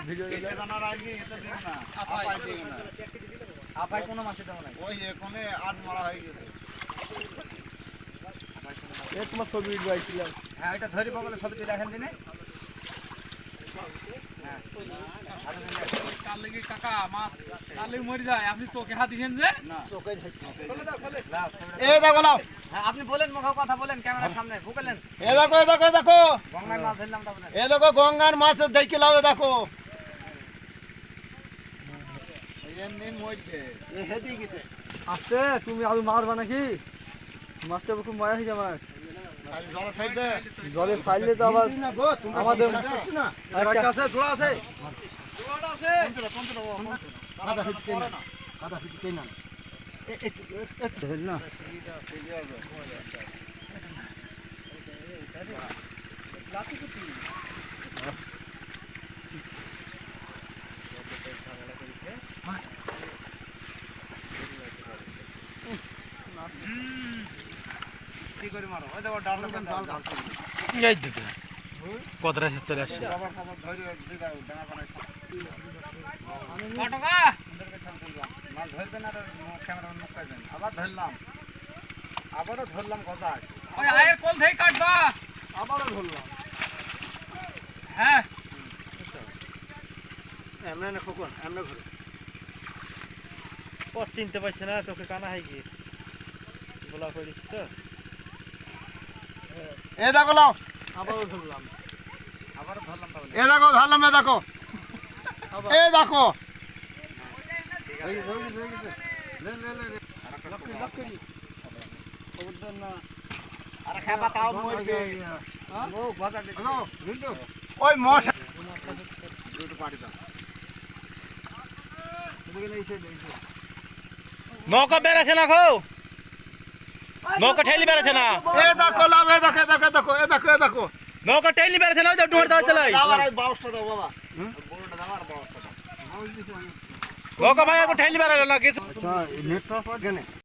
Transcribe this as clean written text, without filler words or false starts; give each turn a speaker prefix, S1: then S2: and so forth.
S1: Video
S2: জানার আগে এটা দিও না, আপাই দিও না।
S3: আপাই কোনো মাছে দেবো না।
S2: ওই এখানে আজ মারা হয়ে গেছে।
S1: তোমার ছবি উঠবাইছিলাম।
S3: হ্যাঁ ওইটা ধরি বগলে ছবি তুলে এখন দিনে।
S4: কাল লেগে কাকা মাছ কাল লেগে মরে যায়, আপনি চোখে হাত দিয়েছেন যে
S2: এই দেখো নাও,
S3: হ্যাঁ আপনি বলেন, মুখে কথা বলেন ক্যামেরার সামনে ভুকেলেন।
S2: এই দেখো, এই দেখো, এই দেখো,
S3: গঙ্গায় মাছ ধরলাম তা বলেন।
S2: এই দেখো গঙ্গার মাছ দেখে লাও, এই দেখো। এমনি মরছে, এ হেদি গেছে।
S1: আস্তে তুমি আলু মারবা নাকি? মাছটা খুব মজা হয়েছে আমার।
S2: জল সাইড দে,
S1: জলে ফাইলে তো আবার
S2: না গো, তুমি
S1: আমাদের
S2: না
S1: একটা
S2: আছে, জোড়া আছে।
S4: জোয়ার আছে।
S2: কাদা ফিটকে না, কাদা ফিটকে না। না
S3: কি করে মারো? ওই দেখো ডাল
S1: এই দিকে কতটা চলে আসছে।
S3: বাবার খবর ধরি দিগা ডানা বানাই
S4: কটকা
S3: মাছ ধরবেন আর ক্যামেরার মুখ কাটবেন। আবার ধরলাম, আবারও ধরলাম গজায়,
S4: ওই আয়ের কোল থেকে কাটবা।
S1: আবারও ধরলাম।
S4: হ্যাঁ
S1: এমন না খোকন, এমন ঘুরে ও চিনতে পারছে না, চোখে কানা হয়ে গিয়ে বলা করিস তো।
S2: এই দেখো নাও,
S1: আবারও ধরলাম।
S3: আবারও ধরলাম তা বলে।
S2: এই দেখো ধরলাম, এই দেখো, এই দেখো।
S3: আর খাবা তাও মরবে। ও গজা দিতে
S2: ওই মশা
S3: দুটো পাড়ি দাও। এদিকে নিচে নিচে
S1: নৌকা বেড়েছে না গো, নৌকা ঠেলি বেড়েছে না।
S2: এই দেখো লাভ, এই দেখো, এই দেখো, এই দেখো, এই দেখো, এই দেখো।
S1: নৌকা টেইলি বেড়েছে না, ওই তো ডুয়ার দাও চালাই।
S2: আবার এই বাউসটা দাও বাবা, বড়টা দাও আর বাউসটা দাও।
S1: নৌকা ভাই একবার ঠেলি বেড়ালো না কিছু।
S2: আচ্ছা নেটটা পাওয়া গেনে